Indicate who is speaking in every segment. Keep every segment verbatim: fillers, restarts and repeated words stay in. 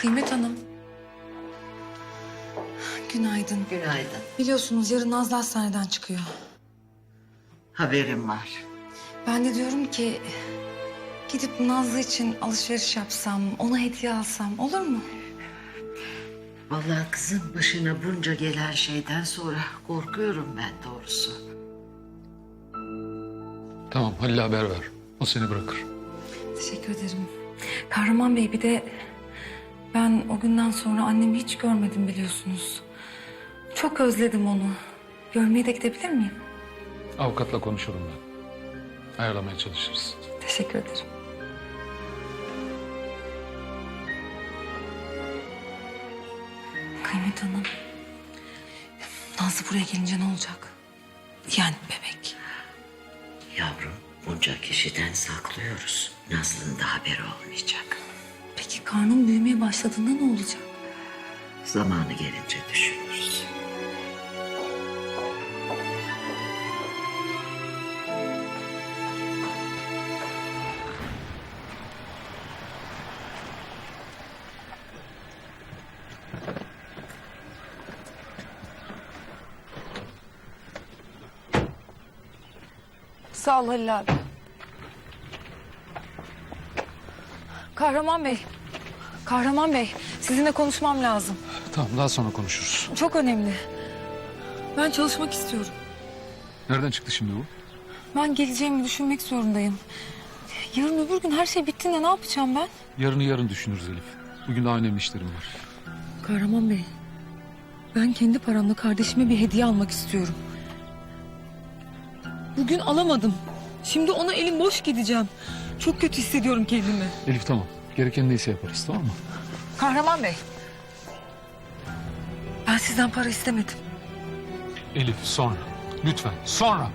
Speaker 1: Kıymet Hanım. Günaydın.
Speaker 2: Günaydın.
Speaker 1: Biliyorsunuz yarın Nazlı hastaneden çıkıyor.
Speaker 2: Haberim var.
Speaker 1: Ben de diyorum ki gidip Nazlı için alışveriş yapsam, ona hediye alsam olur mu?
Speaker 2: Vallahi kızın başına bunca gelen şeyden sonra korkuyorum ben doğrusu.
Speaker 3: Tamam, Halil'e haber ver. O seni bırakır.
Speaker 1: Teşekkür ederim. Kahraman Bey, bir de ben o günden sonra annemi hiç görmedim biliyorsunuz. Çok özledim onu. Görmeye de gidebilir miyim?
Speaker 3: Avukatla konuşurum ben. Ayarlamaya çalışırız.
Speaker 1: Teşekkür ederim. Kıymet Hanım, Nazlı buraya gelince ne olacak? Yani bebek.
Speaker 2: Yavrum, bunca kişiden saklıyoruz. Nazlı'nın da haberi olmayacak.
Speaker 1: Peki karnım büyümeye başladığında ne olacak?
Speaker 2: Zamanı gelince düşünürüz.
Speaker 1: Sağ ol Halil abi. Kahraman Bey. Kahraman Bey, sizinle konuşmam lazım.
Speaker 3: Tamam, daha sonra konuşuruz.
Speaker 1: Çok önemli. Ben çalışmak istiyorum.
Speaker 3: Nereden çıktı şimdi bu?
Speaker 1: Ben geleceğimi düşünmek zorundayım. Yarın öbür gün her şey bittiğinde ne yapacağım ben?
Speaker 3: Yarını yarın düşünürüz Elif. Bugün daha önemli işlerim var.
Speaker 1: Kahraman Bey, ben kendi paramla kardeşime bir hediye almak istiyorum. Bugün alamadım. Şimdi ona elim boş gideceğim. Çok kötü hissediyorum kendimi.
Speaker 3: Elif tamam. Gereken neyse yaparız, tamam mı?
Speaker 1: Kahraman Bey, ben sizden para istemedim.
Speaker 3: Elif sonra. Lütfen sonra.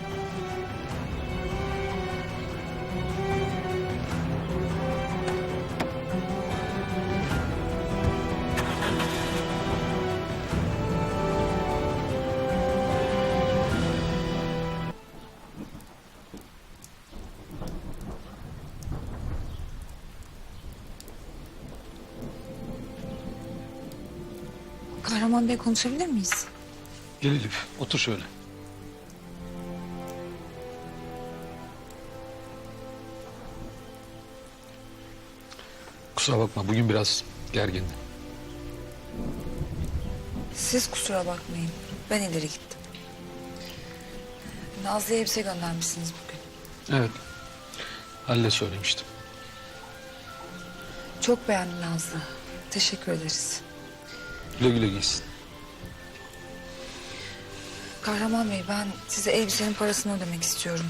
Speaker 1: Kahraman Bey, konuşabilir miyiz?
Speaker 3: Gel Elif, otur şöyle. Kusura bakma, bugün biraz gergindim.
Speaker 1: Siz kusura bakmayın. Ben ileri gittim. Nazlı'ya elbise göndermişsiniz bugün.
Speaker 3: Evet, Halil'e söylemiştim.
Speaker 1: Çok beğendim Nazlı. Teşekkür ederiz.
Speaker 3: Güle güle giysin.
Speaker 1: Kahraman Bey, ben size elbisenin parasını ödemek istiyorum.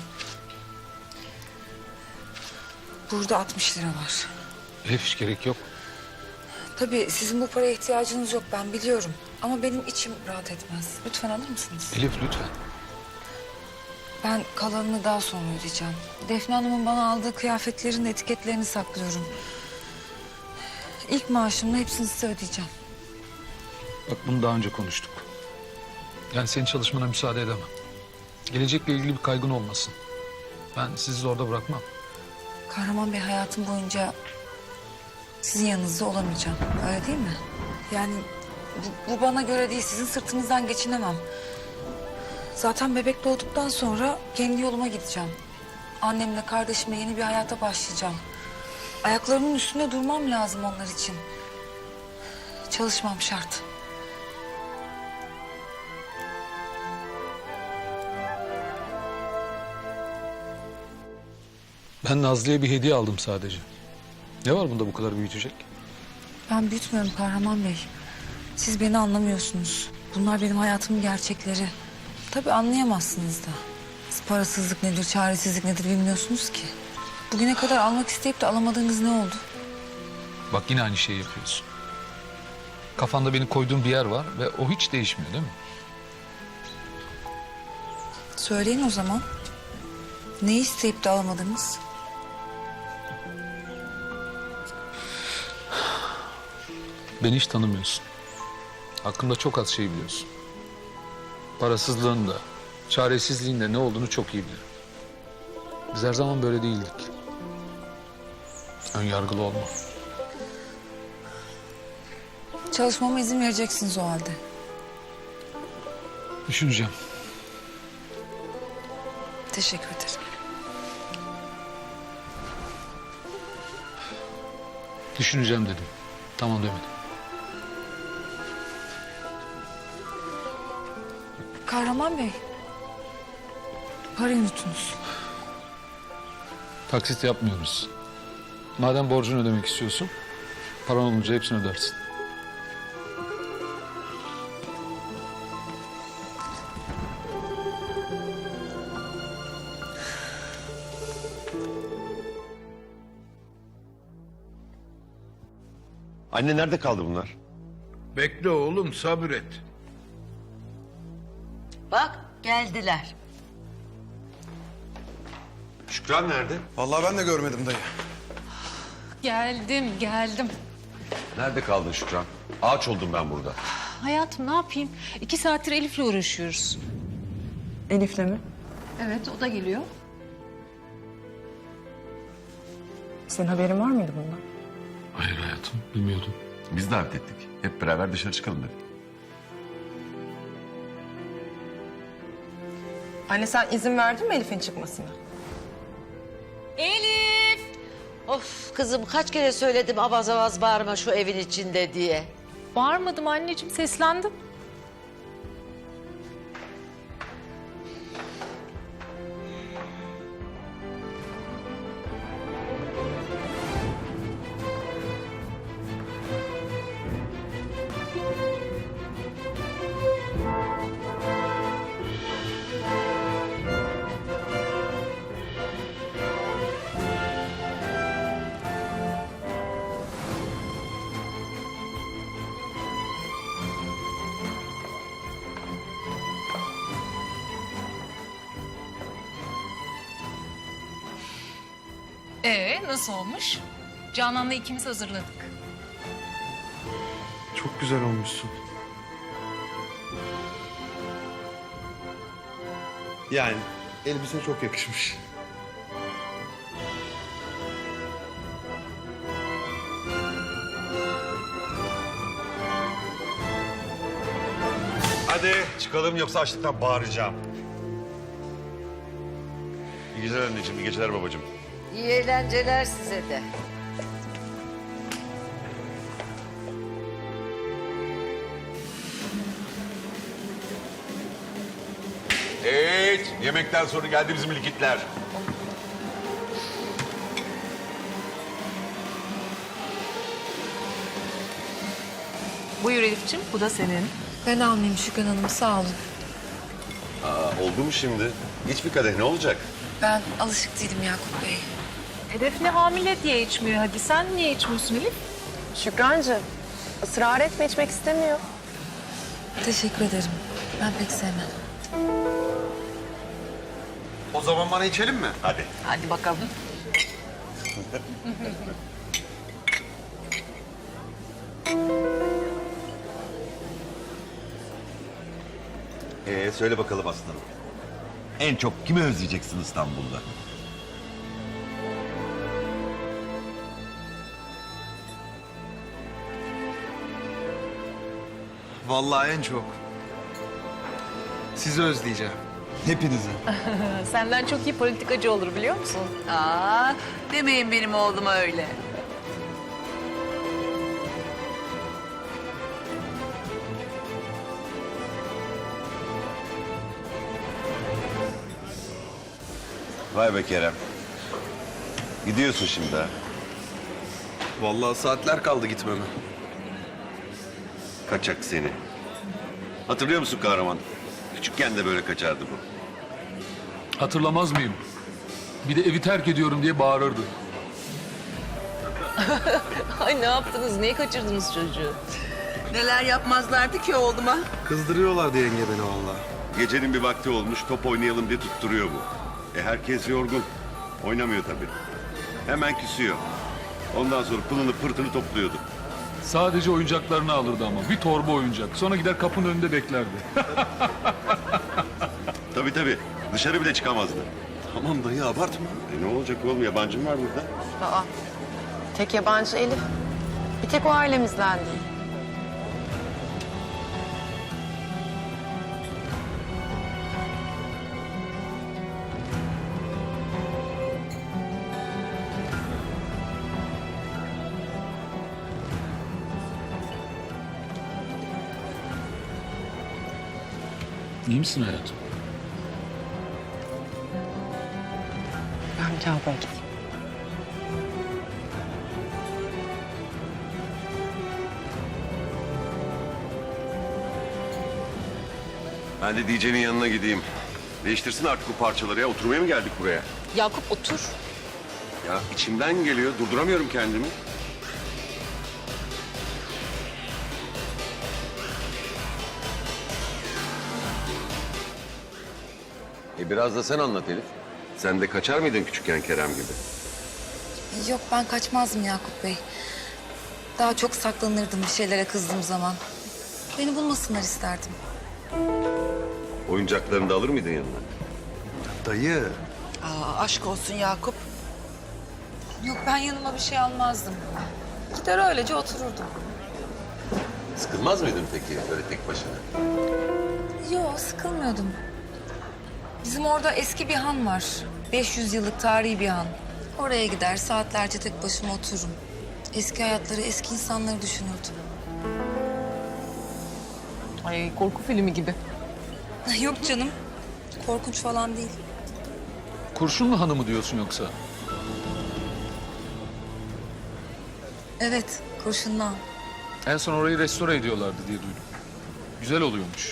Speaker 1: Burada altmış lira var.
Speaker 3: Elif hiç gerek yok.
Speaker 1: Tabii sizin bu paraya ihtiyacınız yok, ben biliyorum. Ama benim içim rahat etmez. Lütfen alır mısınız?
Speaker 3: Elif lütfen.
Speaker 1: Ben kalanını daha sonra ödeyeceğim. Defne Hanım'ın bana aldığı kıyafetlerin etiketlerini saklıyorum. İlk maaşımla hepsini size ödeyeceğim.
Speaker 3: Bak bunu daha önce konuştuk. Yani senin çalışmana müsaade edemem. Gelecekle ilgili bir kaygın olmasın. Ben sizi orada bırakmam.
Speaker 1: Kahraman Bey, hayatım boyunca sizin yanınızda olamayacağım. Öyle değil mi? Yani bu, bu bana göre değil. Sizin sırtınızdan geçinemem. Zaten bebek doğduktan sonra kendi yoluma gideceğim. Annemle kardeşimle yeni bir hayata başlayacağım. Ayaklarımın üstünde durmam lazım onlar için. Çalışmam şart.
Speaker 3: Ben Nazlı'ya bir hediye aldım sadece. Ne var bunda bu kadar büyütecek?
Speaker 1: Ben büyütmüyorum Kahraman Bey. Siz beni anlamıyorsunuz. Bunlar benim hayatımın gerçekleri. Tabii anlayamazsınız da. Siz parasızlık nedir, çaresizlik nedir bilmiyorsunuz ki. Bugüne kadar almak isteyip de alamadığınız ne oldu?
Speaker 3: Bak yine aynı şeyi yapıyorsun. Kafanda beni koyduğun bir yer var ve o hiç değişmiyor değil mi?
Speaker 1: Söyleyin o zaman. Ne isteyip de alamadınız?
Speaker 3: Beni hiç tanımıyorsun. Hakkımda çok az şey biliyorsun. Parasızlığın da, çaresizliğin de ne olduğunu çok iyi bilirim. Biz her zaman böyle değildik. Ön yargılı olma.
Speaker 1: Çalışmama izin vereceksiniz o halde.
Speaker 3: Düşüneceğim.
Speaker 1: Teşekkür ederim.
Speaker 3: Düşüneceğim dedim. Tamam demedim.
Speaker 1: Kahraman Bey. Parayı unutunuz.
Speaker 3: Taksit yapmıyoruz. Madem borcunu ödemek istiyorsun, paran olunca hepsini ödersin.
Speaker 4: Anne nerede kaldı bunlar?
Speaker 5: Bekle oğlum, sabret.
Speaker 2: Bak geldiler.
Speaker 4: Şükran nerede?
Speaker 6: Vallahi ben de görmedim dayı.
Speaker 7: Geldim, geldim.
Speaker 4: Nerede kaldın Şükran? Ağaç oldum ben burada.
Speaker 7: Hayatım ne yapayım? İki saattir Elif'le uğraşıyoruz.
Speaker 8: Elif'le mi?
Speaker 7: Evet, o da geliyor.
Speaker 8: Senin haberin var mıydı bundan?
Speaker 3: Hayır hayatım, bilmiyordum.
Speaker 4: Biz davet ettik. Hep beraber dışarı çıkalım dedik.
Speaker 8: Anne sen izin verdin mi Elif'in çıkmasına?
Speaker 7: Elif!
Speaker 2: Of kızım kaç kere söyledim avaz avaz bağırma şu evin içinde diye.
Speaker 7: Bağırmadım anneciğim, seslendim. Ee, nasıl olmuş? Canan'la ikimiz hazırladık.
Speaker 6: Çok güzel olmuşsun. Yani elbise çok yakışmış.
Speaker 4: Hadi çıkalım yoksa açlıktan bağıracağım. İyi geceler anneciğim, iyi geceler babacığım.
Speaker 2: İyi eğlenceler size de.
Speaker 4: Evet, yemekten sonra geldi bizim likitler.
Speaker 8: Buyur Elif'ciğim, bu da senin.
Speaker 1: Ben almayayım Şükran Hanım, sağ olun.
Speaker 4: Aa, oldu mu şimdi? İç bir kadeh, ne olacak?
Speaker 1: Ben alışık değilim Yakup Bey.
Speaker 7: Hedef ne hamile diye içmiyor. Hadi sen niye içmiyorsun Elif?
Speaker 8: Şükrancığım, ısrar etme içmek istemiyor.
Speaker 1: Teşekkür ederim. Ben pek sevmem.
Speaker 6: O zaman bana içelim mi?
Speaker 4: Hadi.
Speaker 7: Hadi bakalım.
Speaker 4: Ee, söyle bakalım aslanım. En çok kimi özleyeceksin İstanbul'da?
Speaker 6: Vallahi en çok. Sizi özleyeceğim. Hepinizi.
Speaker 7: Senden çok iyi politikacı olur biliyor musun?
Speaker 2: Aa, demeyin benim oğluma öyle.
Speaker 4: Vay be Kerem. Gidiyorsun şimdi ha.
Speaker 6: Vallahi saatler kaldı gitmeme.
Speaker 4: Kaçak seni. Hatırlıyor musun kahraman? Küçükken de böyle kaçardı bu.
Speaker 3: Hatırlamaz mıyım? Bir de evi terk ediyorum diye bağırırdı.
Speaker 7: Ay ne yaptınız? Niye kaçırdınız çocuğu?
Speaker 9: Neler yapmazlardı ki oğluma?
Speaker 6: Kızdırıyorlardı yenge beni vallahi.
Speaker 4: Gecenin bir vakti olmuş, top oynayalım diye tutturuyor bu. E herkes yorgun. Oynamıyor tabii. Hemen küsüyor. Ondan sonra pılını pırtını topluyordu.
Speaker 3: Sadece oyuncaklarını alırdı ama. Bir torba oyuncak. Sonra gider kapının önünde beklerdi.
Speaker 4: Tabii tabii. Dışarı bile çıkamazdı.
Speaker 6: Tamam dayı abartma.
Speaker 4: E ne olacak oğlum? Yabancım var burada.
Speaker 8: Aa, tek yabancı Elif. Bir tek o ailemizdendi.
Speaker 3: İyi misin hayatım?
Speaker 8: Ben bir lavaboya gideyim.
Speaker 4: Ben de D J'nin yanına gideyim. Değiştirsin artık bu parçaları ya. Oturmaya mı geldik buraya?
Speaker 1: Yakup otur.
Speaker 4: Ya içimden geliyor. Durduramıyorum kendimi. E biraz da sen anlat Elif. Sen de kaçar mıydın küçükken Kerem gibi?
Speaker 1: Yok ben kaçmazdım Yakup Bey. Daha çok saklanırdım bir şeylere kızdığım zaman. Beni bulmasınlar isterdim.
Speaker 4: Oyuncaklarını da alır mıydın yanına?
Speaker 6: Dayı.
Speaker 9: Aa, aşk olsun Yakup.
Speaker 1: Yok ben yanıma bir şey almazdım. Gider öylece otururdum.
Speaker 4: Sıkılmaz mıydın peki böyle tek başına?
Speaker 1: Yok sıkılmıyordum. Bizim orada eski bir han var. beş yüz yıllık tarihi bir han. Oraya gider saatlerce tek başıma otururum. Eski hayatları, eski insanları düşünürdüm.
Speaker 7: Ay korku filmi gibi.
Speaker 1: Yok canım. Korkunç falan değil.
Speaker 3: Kurşunlu hanımı diyorsun yoksa?
Speaker 1: Evet, kurşunlu han.
Speaker 3: En son orayı restore ediyorlardı diye duydum. Güzel oluyormuş.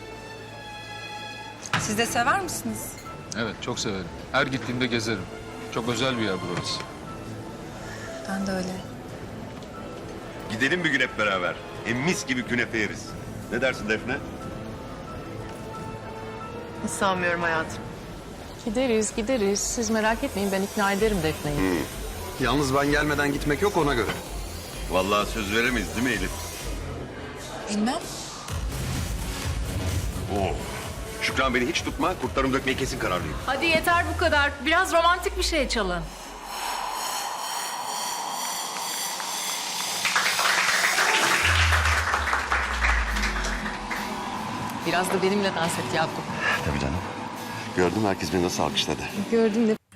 Speaker 1: Siz de sever misiniz?
Speaker 3: Evet, çok severim. Her gittiğimde gezerim. Çok özel bir yer burası.
Speaker 1: Ben de öyle.
Speaker 4: Gidelim bir gün hep beraber. Hem mis gibi künefe yeriz. Ne dersin Defne?
Speaker 8: Hiç sanmıyorum hayatım.
Speaker 7: Gideriz gideriz. Siz merak etmeyin ben ikna ederim Defne'yi.
Speaker 6: Yalnız ben gelmeden gitmek yok ona göre.
Speaker 4: Vallahi söz veremeyiz değil mi Elif?
Speaker 1: Bilmem.
Speaker 4: Oo. Şükran beni hiç tutma. Kurtlarımı dökmeye kesin kararlıyım.
Speaker 7: Hadi yeter bu kadar. Biraz romantik bir şey çalın. Biraz da benimle dans et Yakup.
Speaker 4: Tabii canım. Gördüm herkes beni nasıl alkışladı.
Speaker 7: Gördüm de.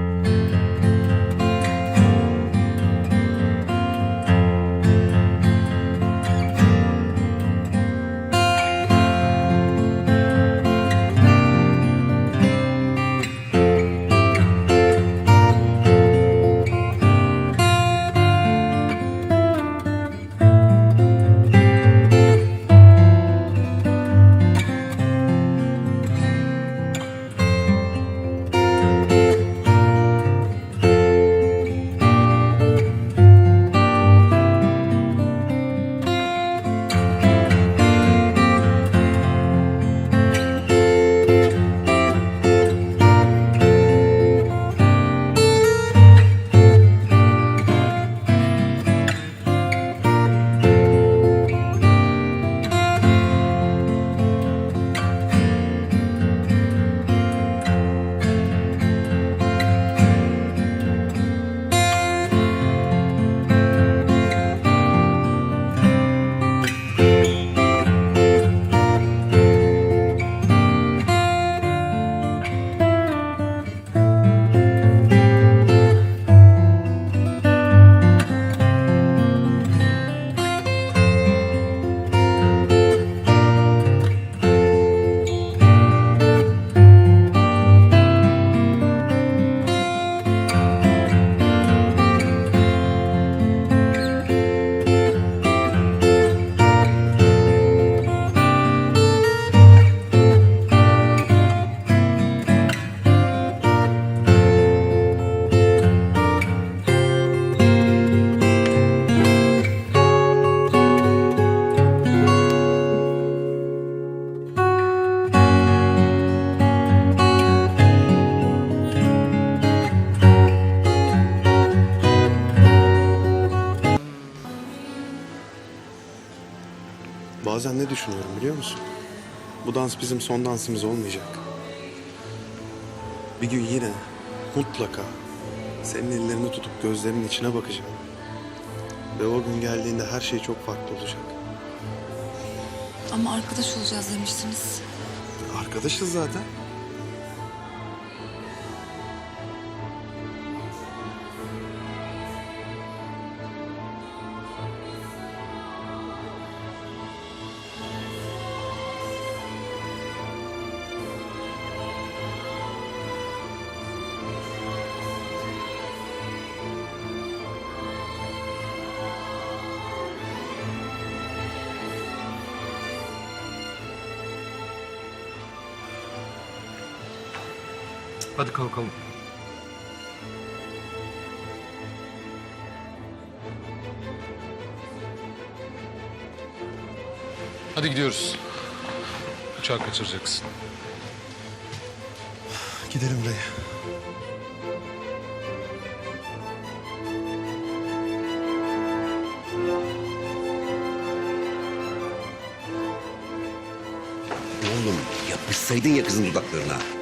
Speaker 10: Bazen ne düşünüyorum biliyor musun? Bu dans bizim son dansımız olmayacak. Bir gün yine mutlaka senin ellerini tutup gözlerinin içine bakacağım. Ve o gün geldiğinde her şey çok farklı olacak.
Speaker 1: Ama arkadaş olacağız demiştiniz.
Speaker 10: Arkadaşız zaten.
Speaker 3: Hadi kalkalım. Hadi gidiyoruz. Uçağı kaçıracaksın.
Speaker 10: Gidelim dayı.
Speaker 11: Oğlum yapışsaydın ya kızın dudaklarına.